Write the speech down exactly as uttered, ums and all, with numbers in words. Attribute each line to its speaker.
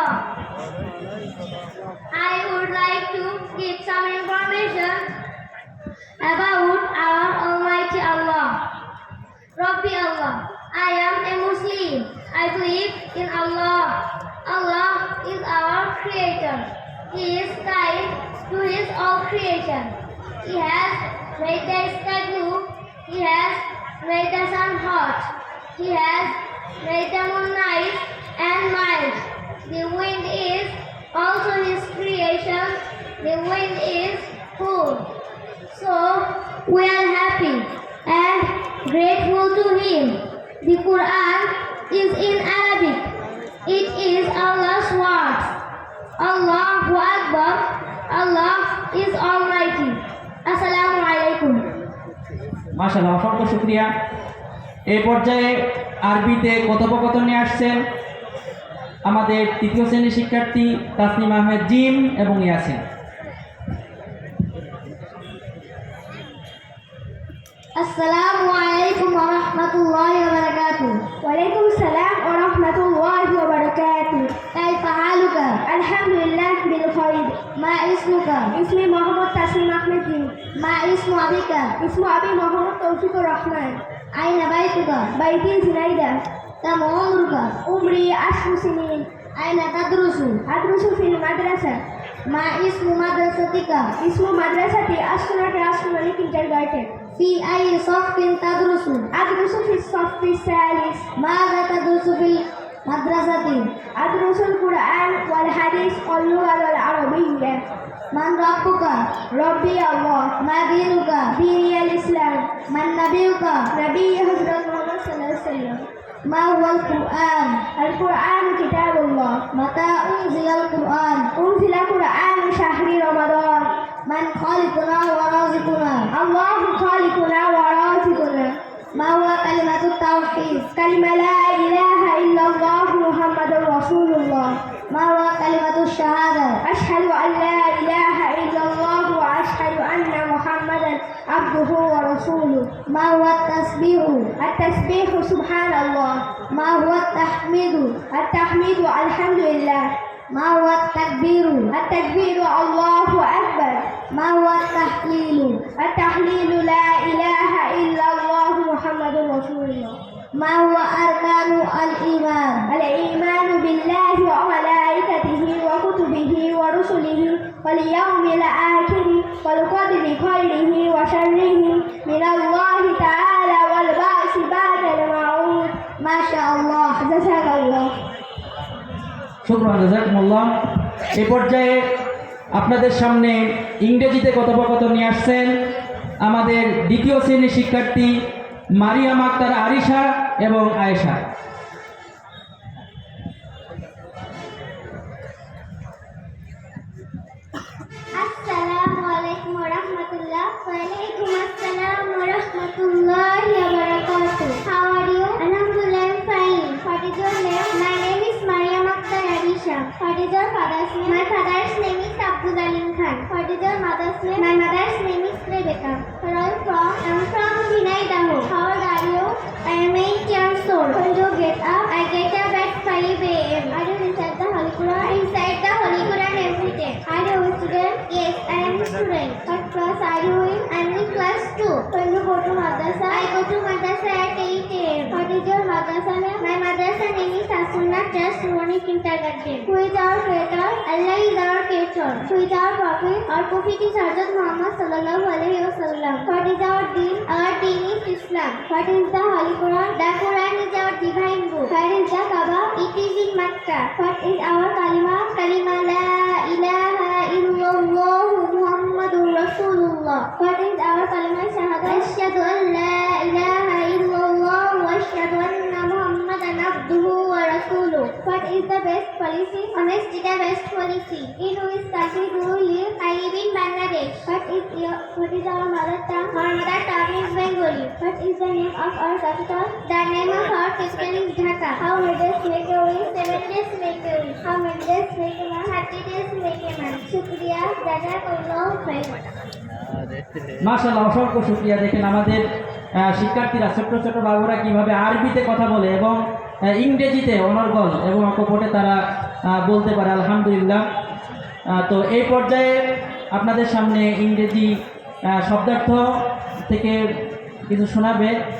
Speaker 1: Allah. I would like to give some information about our Almighty Allah. Rabbi Allah. I am a Muslim. I believe in Allah. Allah is our Creator. He is kind to His all creation. He has made the sky blue. He has made the sun hot. He has made the moon nice and mild. The wind is also His creation. The wind is cool. So we are happy and grateful to Him. The Quran is in Arabic. It is Allah's words. Allahu Akbar. Allah is Almighty. Assalamu alaikum.
Speaker 2: মাশাআল্লাহ, অসংখ্য শুকরিয়া। এই পর্যায়ে আরবিতে কথোপকথন নিয়ে আসছেন আমাদের তৃতীয় শ্রেণীর শিক্ষার্থী তাসনিম আহমেদ জিম এবং Yasin.
Speaker 1: Assalamu alaikum wa rahmatullahi wa barakatuh. Wa alaikum salam wa rahmatullahi wa barakatuh. Kaifa haluka? Alhamdulillah bil khair. Ma ismuka? Ismi Muhammad Tasnim Ahmed Jim. Ma ismu abika? Ismu abi Muhammad Tawfiqur Rahman. Aina baituka? Baiti Zinaida. Kam umruka? Umri ashru sinin. Aina tadrusu? Adrusu fil madrasah. Ma ismu madrasatika? Ismu madrasati Asuna Classroom Kindergarten. في أي صف تدرس؟ أدرس في الصف الثالث. ماذا تدرس في المدرسة؟ أدرس القرآن والحديث واللغة العربية. من ربك؟ ربي الله. ما دينك؟ ديني الإسلام. من نبيك؟ نبي حضرت محمد صلى الله عليه وسلم. ما هو القرآن؟ القرآن كتاب الله. متى أنزل القرآن؟ أنزل القرآن شهر رمضان. من خالقنا ورازقنا؟ الله خالقنا ورازقنا. ما هو كلمة التوحيد؟ كلمة لا إله إلا الله محمد رسول الله. ما هو كلمة الشهادة؟ أشهد أن لا إله إلا الله وأشهد أن محمدا عبده ورسوله. ما هو التسبيح؟ التسبيح سبحان الله. ما هو التحميد؟ التحميد الحمد لله. ما هو التكبير؟ التكبير الله أكبر. ما هو التحليل؟ التحليل لا إله إلا الله محمد رسول الله. ما هو أركان الإيمان؟ الإيمان بالله وملائكته وكتبه ورسله واليوم الآخر والقدر خيره وشره من الله تعالى والبعث بعد الموت. ما شاء الله. جزاك الله.
Speaker 2: শুকরান, জাযাকুমুল্লাহ। এই পর্যায়ে আপনাদের সামনে ইংরেজিতে কথোপকথন নিয়ে আসছেন আমাদের দ্বিতীয় শ্রেণীর শিক্ষার্থী মারিয়াম আক্তার আরিশা এবং আয়েশা।
Speaker 1: আসসালামু আলাইকুম ওয়া রাহমাতুল্লাহ। ওয়া আলাইকুম আসসালাম ওয়া রাহমাতুল্লাহি ওয়া বারাকাতুহু। How are you? Alhamdulillah, I'm fine. What is your name? My name is Mariam Akhtar Arisha. What is your father's name? My father's name is Abdul Alim Khan. What is your mother's name? My mother's name is Rebecca. Where are you from? I'm from Zinaidaho. How old are you? I am eight years old. When do you get up? I get up at five a m Are you inside the Holy Quran? Inside the Holy Quran every day. Are you a student? Yes, I am a student. What class are you in? I am in class two. When you go to madrasa? I go to madrasa at eight a m What is your madrasa name? My madrasa name is Asuna Trust Morning Kindergarten. Who is our creator? Allah is our creator. Who is our prophet? Our prophet is Hazrat Muhammad sallallahu alaihi wasallam. What is our deen? Our deen is Islam. What is the Holy Quran? The Quran is our divine book. Where is the Kaaba? It is in Makkah. What is our kalima? Kalima la ilaha illallah Muhammadur Rasulullah. What is our kalima shahada? Ashhadu an la ilaha illallah wa ashhadu anna Muhammadan abduhu wa rasuluh. What is the best policy? Honesty the best policy. In which country do you live? I live in Bangladesh. What is your what is our mother tongue? Our mother tongue is Bengali. What is the name of our capital? The name of our capital is Dhaka. How many days make a week? Seven days make a week. How many days make a month? Thirty days make a month. Shukriya. Jazakallahu khairan.
Speaker 2: মাশাআল্লাহ, অসংখ্য শুকরিয়া। দেখেন আমাদের শিক্ষার্থীরা ছোট ছোট বাবুরা কিভাবে আরবিতে কথা বলে এবং ইংরেজিতে অনর্গল এবং অকপটে তারা আহ, বলতে পারে আলহামদুলিল্লাহ। আহ, তো এই পর্যায়ে আপনাদের সামনে ইংরেজি আহ, শব্দার্থ থেকে কিছু শোনাবে।